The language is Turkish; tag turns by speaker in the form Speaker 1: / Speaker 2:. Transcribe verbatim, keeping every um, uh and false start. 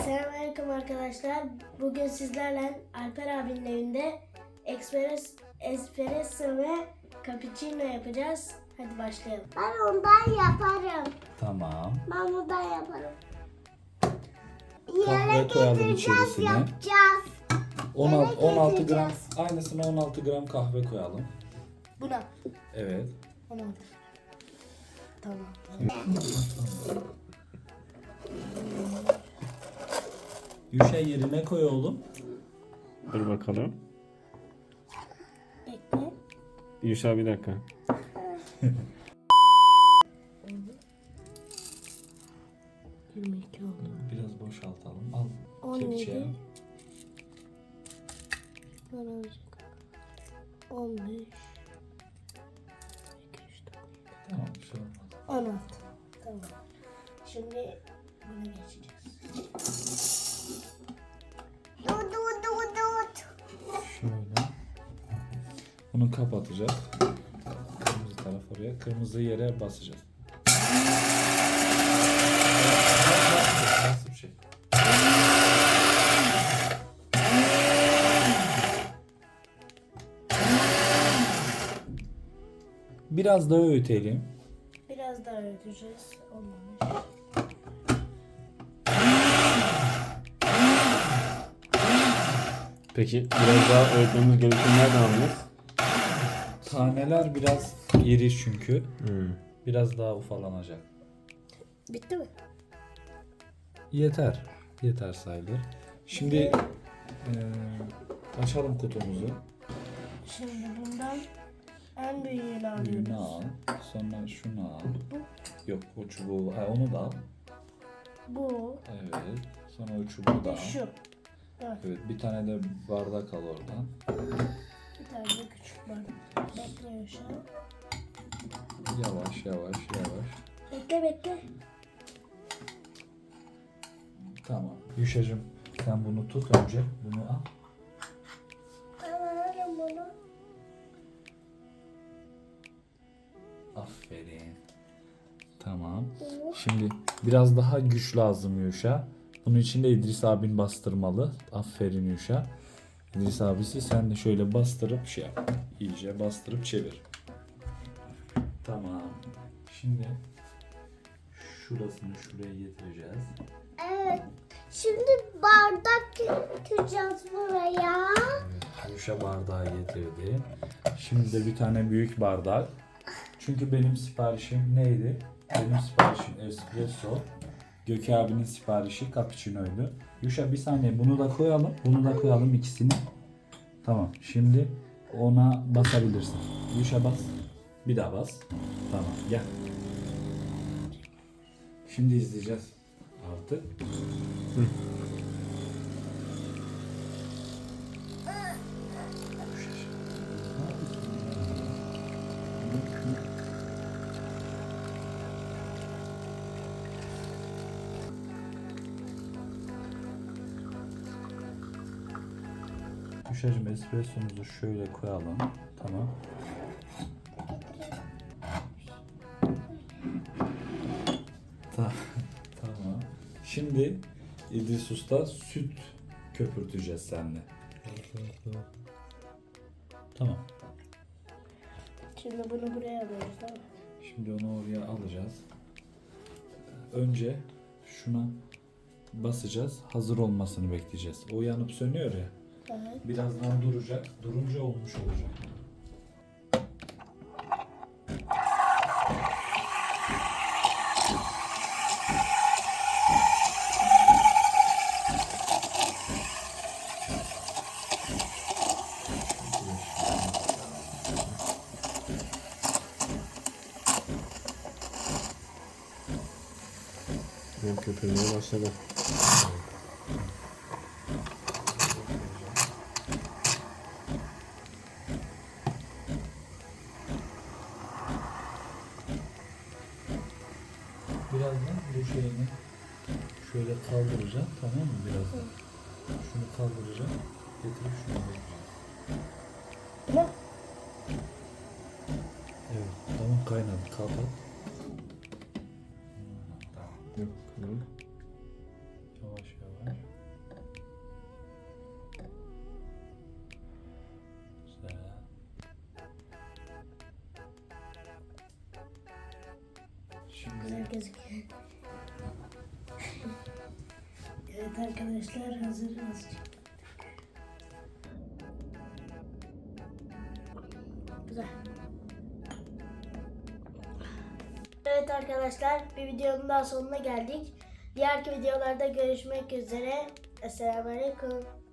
Speaker 1: Selamünaleyküm arkadaşlar. Bugün sizlerle Alper abinin evinde ekspres, espresso ve cappuccino yapacağız. Hadi başlayalım.
Speaker 2: Ben ondan yaparım.
Speaker 3: Tamam.
Speaker 2: Ben bundan yaparım.
Speaker 3: Kahve
Speaker 2: Yere
Speaker 3: koyalım
Speaker 2: getireceğiz,
Speaker 3: içerisine.
Speaker 2: yapacağız.
Speaker 3: on altı, on altı gram,
Speaker 2: getireceğiz.
Speaker 3: aynısına on altı gram kahve koyalım.
Speaker 1: Buna.
Speaker 3: Evet.
Speaker 1: Ona. Tamam.
Speaker 3: Yuşa yerine koy oğlum.
Speaker 4: Dur bakalım.
Speaker 1: Bekle.
Speaker 4: Yuşa bir dakika.
Speaker 1: yirmi iki oldu.
Speaker 3: Biraz boşaltalım. Al.
Speaker 1: on
Speaker 3: kepçeye.
Speaker 1: yedi. Bana olacak. on beş. iki, üç, dört,
Speaker 3: Tamam, bir şey olmaz.
Speaker 1: on altı. Tamam. Şimdi buna geçeceğiz.
Speaker 2: Dur dur dur dur.
Speaker 3: Şöyle. Bunu kapatacağız. Kırmızı taraf oraya. Kırmızı yere basacağız. Nasıl bir şey? Biraz daha öğütelim.
Speaker 1: Biraz daha öğüteceğiz. Olmamış.
Speaker 4: Peki biraz daha öğretmemiz gerektiğini nereden anlıyoruz?
Speaker 3: Taneler biraz iri çünkü.
Speaker 4: Hmm.
Speaker 3: Biraz daha ufalanacak.
Speaker 1: Bitti mi?
Speaker 3: Yeter. Yeter sayılır. Şimdi eee, açalım kutumuzu.
Speaker 1: Şimdi bundan en büyüğünü alıyoruz.
Speaker 3: Büyüğünü al. Sonra şunu al. Yok, o çubuğu. Ha, onu da al.
Speaker 1: Bu.
Speaker 3: Evet. Sonra o çubuğu da al.
Speaker 1: Şu. Evet.
Speaker 3: Evet. Bir tane de bardak al oradan.
Speaker 1: Bir tane de küçük bardak. Bekle Yaşa.
Speaker 3: Yavaş yavaş yavaş.
Speaker 1: Bekle bekle.
Speaker 3: Tamam. Yuşacığım sen bunu tut önce. Bunu al.
Speaker 2: Ben alırım bunu.
Speaker 3: Aferin. Tamam. Şimdi biraz daha güç lazım Yuşa. Bunun için de İdris abin bastırmalı. Aferin Yuşa. İdris abisi sen de şöyle bastırıp şey yap. İyice bastırıp çevir. Tamam. Şimdi şurasını şuraya getireceğiz.
Speaker 2: Evet. Şimdi bardak getireceğiz buraya.
Speaker 3: Yuşa bardağı getirdi. Şimdi de bir tane büyük bardak. Çünkü benim siparişim neydi? Benim siparişim espresso. Gökü abinin siparişi cappuccino'ydu. Yuşa bir saniye bunu da koyalım. Bunu da koyalım ikisini. Tamam. Şimdi ona basabilirsin. Yuşa bas. Bir daha bas. Tamam. Gel. Şimdi izleyeceğiz. Artık. Yuşacığım espressomuzu şöyle koyalım. Tamam. Ta- tamam. Şimdi İdris Usta süt köpürteceğiz seninle. Tamam.
Speaker 1: Şimdi bunu buraya alıyoruz değil mi?
Speaker 3: Şimdi onu oraya alacağız. Önce şuna basacağız. Hazır olmasını bekleyeceğiz. O yanıp sönüyor ya.
Speaker 1: Evet.
Speaker 3: Birazdan duracak. Durunca olmuş olacak.
Speaker 4: Benim köpürmeye başladı.
Speaker 3: Birazdan bu şeyini şöyle kaldıracağım, tamam mı? Birazdan. Şunu kaldıracağım. Getirip şunu bekleyeceğim.
Speaker 1: Ne?
Speaker 3: Evet, tamam kaynadı. Kapat. Tamam.
Speaker 4: Yok.
Speaker 3: Yavaş yavaş. Şimdi
Speaker 1: Güzel gözüküyor. Evet arkadaşlar, hazır azıcık. Güzel. Evet arkadaşlar, bir videonun daha sonuna geldik. Diğer videolarda görüşmek üzere. Esselamu Aleyküm.